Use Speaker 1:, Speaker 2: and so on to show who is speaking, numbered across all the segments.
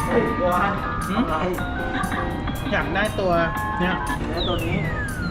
Speaker 1: เฮ้ยตัวอะไร
Speaker 2: อยากได้ตัวเนี้ย
Speaker 1: แล้วตัวนี้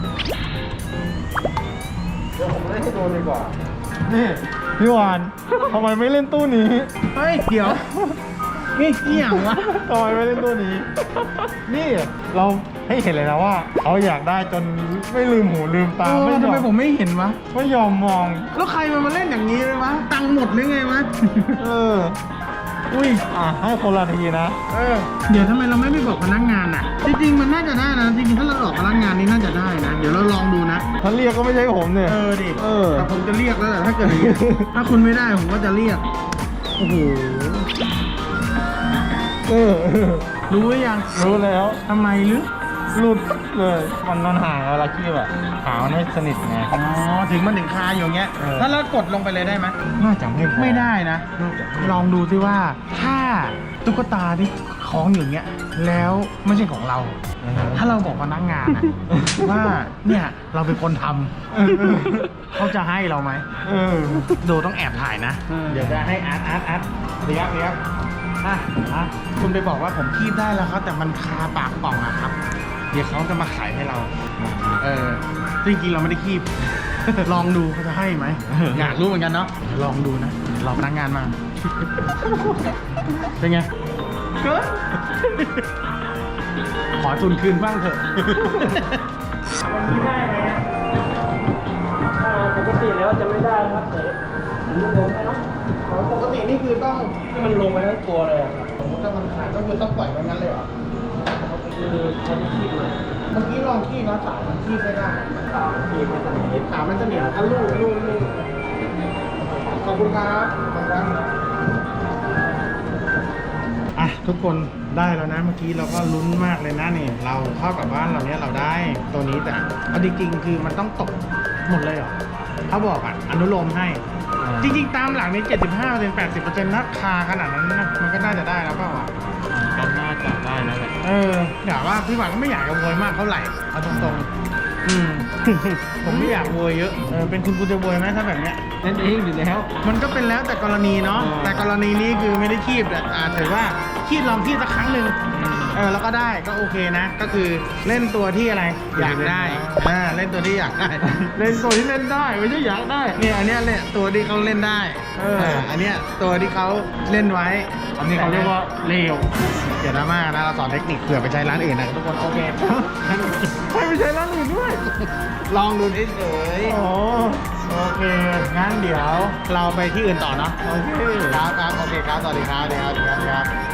Speaker 1: เดี๋ยวผมเล่นให้ดูดีกว่า
Speaker 3: นี่พี่วานทำไมไม่เล่นตู้นี้
Speaker 2: เฮ้ยเดี๋ยวนี่เกี่ยงวะ
Speaker 3: ทำไมไม่เล่นตู้นี้ นี่เราให้เห็นเลยนะว่าเขาอยากได้จนไม่ลืมหูลืมตา
Speaker 2: ทำไม
Speaker 3: ยอ
Speaker 2: ผมไม่เห็นวะ
Speaker 3: ไม่ยอมมอง
Speaker 2: แล้วใครมันมาเล่นอย่างนี้เลยวะตังค์หมดหรือไงวะ
Speaker 3: เออ อุ้ยให้คนละทีนะ
Speaker 2: เดี๋ยวทำไมเราไม่ไปบอกพนักงานอ่ะ จริงๆมันน่าจะได้นะจริงๆถ้าเราบอกพนักงานนี่น่าจะได้นะเดี๋ยวเราลองดูนะ
Speaker 3: ถ้าเรียกก็ไม่ใช่ผมเนี่ย
Speaker 2: ดิ
Speaker 3: เออ
Speaker 2: แต่ผมจะเรียกแล้วแหละถ้าเกิดอย่างนี้ ถ้าคุณไม่ได้ผมก็จะเรียกโอ้โห
Speaker 3: เออ
Speaker 2: รู้หรือยัง
Speaker 3: รู้แล้ว
Speaker 2: ทำไมหรือ
Speaker 3: หลุดเลยมันห่างเวลาคีบอะขามันไม่สนิทไง
Speaker 2: อ๋อถึงมันถึงคาอยู่อย่างเงี้ย
Speaker 3: เออ
Speaker 2: ถ้าเรากดลงไปเลยได้ไหม
Speaker 3: น่าจะไม่พอ
Speaker 2: ไม่ได้นะ
Speaker 3: น่าจะไม่
Speaker 2: ลองดูซิว่าถ้าตุ๊กตาที่คล้องอยู่เงี้ยแล้วไม่ใช่ของเรา ถ้าเราบอกพนักงานอะ ว่าเนี่ยเราเป็นคนทำเขาจะให้เราไหม
Speaker 3: เออ
Speaker 2: โดต้องแอบถ่ายนะ เดี๋ยวจะให้อาร์ตเรียกคุณไปบอกว่าผมคีบได้แล้วครับแต่มันคาปากป่องอะครับ เดี๋ยวเขาจะมาขายให้เรา จริงๆเราไม่ได้คีบ ลองดูเขาจะให้ไหม อยากรู้เหมือนกันเนาะเดี๋ยวลองดูนะเดี๋ยวรอพนักงานมา เป็นไงก็ขอทุนคืนบ้างเถอะ วันนี้ได้ไหม
Speaker 1: ปกติแล้วจะไม่ได้ครับแต่ผมลงให้เนาะ
Speaker 2: ปกตินี่คือต้อง
Speaker 1: ให้มันลงไปทั้งตัวเลยอะครับ
Speaker 2: สมมติถ้ามันขาดก็คือต้องปล่อยไว้งั้นเลยเหรอ
Speaker 1: คือเขาจะคีบเลย
Speaker 2: เมื่อกี้ลองขี้แล้วสายมันขี้ไม่ได้
Speaker 1: ขาคีบไม่สนิท
Speaker 2: ขามันจะเหนียวก็ลูกขอบคุณครับอ่ะทุกคนได้แล้วนะเมื่อกี้เราก็ลุ้นมากเลยนะนี่เราเข้ากับบ้านเราเนี้ยเราได้ตัวนี้แต่เอาจริงๆคือมันต้องตกหมดเลยเหรอเขาบอกอ่ะอนุโลมให้ จริงๆตามหลังนี้ 75% 80%นะคาขนาดนั้นนะมันก็น่าจะได้แล้วเปล่าอ่ะ
Speaker 3: ก็น่าจะได้แล้วแหละ
Speaker 2: อยากว่าพี่หวานก็ไม่อยากจะโวยมากเท่าไหร่เอาตรงๆ ผมไม่อยากโวยเยอะเป็นคุณจะโวยไหมถ้าแบบเนี้ย
Speaker 1: นั่นเองอยู่แล้ว
Speaker 2: มันก็เป็นแล้วแต่กรณีเนาะแต่กรณีนี้คือไม่ได้คีบแต่ถือว่าคีบลองคีบสักครั้งหนึ่งแล้วก็ได้ก็โอเคนะ ก็คือเล่นตัวที่อะไรอยากได้เล่นตัวที่อยากได้
Speaker 3: เล่นตัวที่เล่นได้ไม่ใช่อยากได้
Speaker 2: เนี่ยอันเนี้ยเนี่ยตัวที่เขาเล่นได้อันเนี้ยตัวที่เขาเล่นไว้
Speaker 3: อันนี้เขาเรียกว่าเลว
Speaker 2: อย่าดราม่านะเราสอนเทคนิคเผื่อไปใช้ร้านอื่นนะทุกคนโอเค
Speaker 3: ให้ไปใช้ร้านอื่นด้วย
Speaker 2: ลองดูเฉย
Speaker 3: โอ้โอเค
Speaker 2: ๆงั้นเดี๋ยวเราไปที่อื่นต่อเนาะ
Speaker 3: โอเค
Speaker 2: ครับโอเคครับสวัสดีครับ